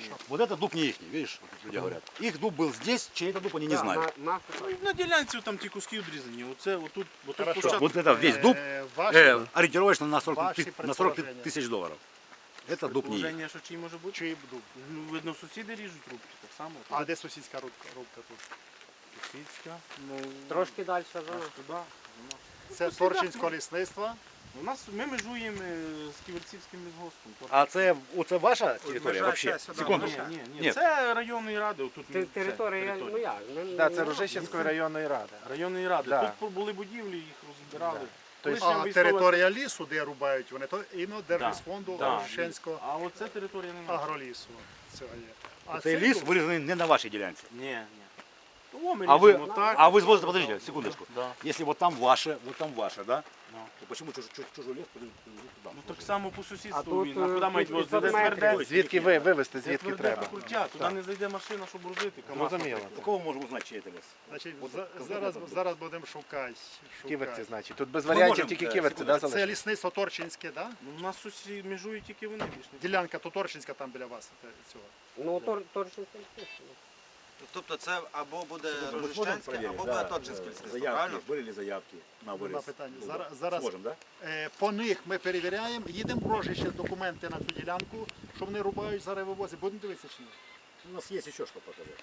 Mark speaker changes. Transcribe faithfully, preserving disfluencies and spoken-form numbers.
Speaker 1: Хорошо.
Speaker 2: Вот это дуб не их, видишь, вот люди говорят. Их дуб был здесь, чей это дуб они не знают.
Speaker 3: На, на,
Speaker 1: Ну, на ділянці там ті куски відрізані. Оце, отут, отут
Speaker 2: Хорошо.
Speaker 1: площадка.
Speaker 2: Вот это весь дуб
Speaker 4: Е, ваші
Speaker 2: э, ориентировочно на сорок,
Speaker 4: Ваши
Speaker 2: ты- на сорок
Speaker 4: предположения.
Speaker 2: тысяч долларов. Это дуб не их.
Speaker 1: Положення, що чий може бути?
Speaker 4: чи дуб?
Speaker 1: Ну, видно, сусіди ріжуть рубки, так само.
Speaker 4: А де сусідська рубка, рубка тут?
Speaker 1: Сусідська, ну,
Speaker 3: Трошки далі за
Speaker 1: аж
Speaker 3: нас.
Speaker 1: туди.
Speaker 4: Це Торчинського лісництва.
Speaker 1: У нас, ми межуємо е, з Ківерцівським лісгоспом.
Speaker 2: А це, оце ваша територія
Speaker 5: межа
Speaker 2: вообще?
Speaker 5: ця сюди,
Speaker 2: Секунду.
Speaker 5: межа.
Speaker 1: Ні, ні, ні,
Speaker 2: Ні.
Speaker 1: це районної ради. Отут,
Speaker 3: Те-
Speaker 1: це
Speaker 3: Територія, ну як? ну,
Speaker 5: Да,
Speaker 3: ну,
Speaker 5: це Рожищенської районної ради.
Speaker 1: Районної ради.
Speaker 5: Да.
Speaker 1: Тут були будівлі, їх розбирали.
Speaker 5: Да.
Speaker 1: Колишня
Speaker 4: А
Speaker 1: військова-
Speaker 4: територія лісу, де рубають вони, то іменно Держлісфонду
Speaker 1: Да.
Speaker 4: Рожищенського
Speaker 1: А оце територія не наша.
Speaker 4: агролісу. Цього є. А
Speaker 2: Цей
Speaker 4: цей
Speaker 2: ліс
Speaker 4: дуб-
Speaker 2: вирізаний не на вашій ділянці.
Speaker 1: Ні, ні. О, ми
Speaker 2: А вы,
Speaker 1: ріжемо так.
Speaker 2: а вы звозите, подождите, секундочку.
Speaker 1: Да.
Speaker 2: Если вот там ваше, вот там ваше, да?
Speaker 1: Ну.
Speaker 2: То почему чуж, чуж, чужой лес подожди, туда?
Speaker 1: Ну так само по
Speaker 3: А
Speaker 1: сусідству
Speaker 3: тут,
Speaker 1: він. А куди
Speaker 3: е,
Speaker 1: мають
Speaker 3: тут
Speaker 1: возити? Де
Speaker 3: п'ятсот метрів.
Speaker 1: тверде?
Speaker 5: Звідки ви вивезти,
Speaker 1: Де
Speaker 5: звідки
Speaker 1: тверде
Speaker 5: треба?
Speaker 1: покруття, туди не зайде машина, щоб грузити. КамАЗ,
Speaker 5: Зрозуміло.
Speaker 1: наприклад.
Speaker 2: Кого можем узнать, чей это лес?
Speaker 4: Значить,
Speaker 2: От-
Speaker 4: за-
Speaker 2: от-
Speaker 4: зараз,
Speaker 2: от-
Speaker 4: зараз будемо шукати.
Speaker 5: Ківерці,
Speaker 4: шукати.
Speaker 5: значить. Тут без
Speaker 2: Ми
Speaker 5: варіантів
Speaker 2: можемо,
Speaker 5: тільки
Speaker 2: е,
Speaker 5: ківерці, да,
Speaker 4: Це
Speaker 5: залишити?
Speaker 4: лісництво Торчинське, да?
Speaker 1: Ну, у нас сусід межують тільки вони більш не.
Speaker 4: Ділянка то Торчинська там біля вас. те- Цього.
Speaker 3: Ну, тор, Торчинський ліс.
Speaker 6: Тобто це або буде
Speaker 2: Мы сможем
Speaker 6: Рожищенське,
Speaker 2: проверить,
Speaker 6: або
Speaker 2: да,
Speaker 6: буде Торчинське
Speaker 2: э,
Speaker 6: лісництво,
Speaker 2: заявки,
Speaker 6: правильно?
Speaker 2: были ли заявки на вырез?
Speaker 4: Нема питання.
Speaker 2: дуба?
Speaker 4: Зараз, зараз
Speaker 2: Сможем, да?
Speaker 4: е, по них ми перевіряємо, їдемо в Рожище документи на цю ділянку, що вони рубають, зараз вивозять. Будемо дивитися чи ні?
Speaker 2: У нас есть еще что показать.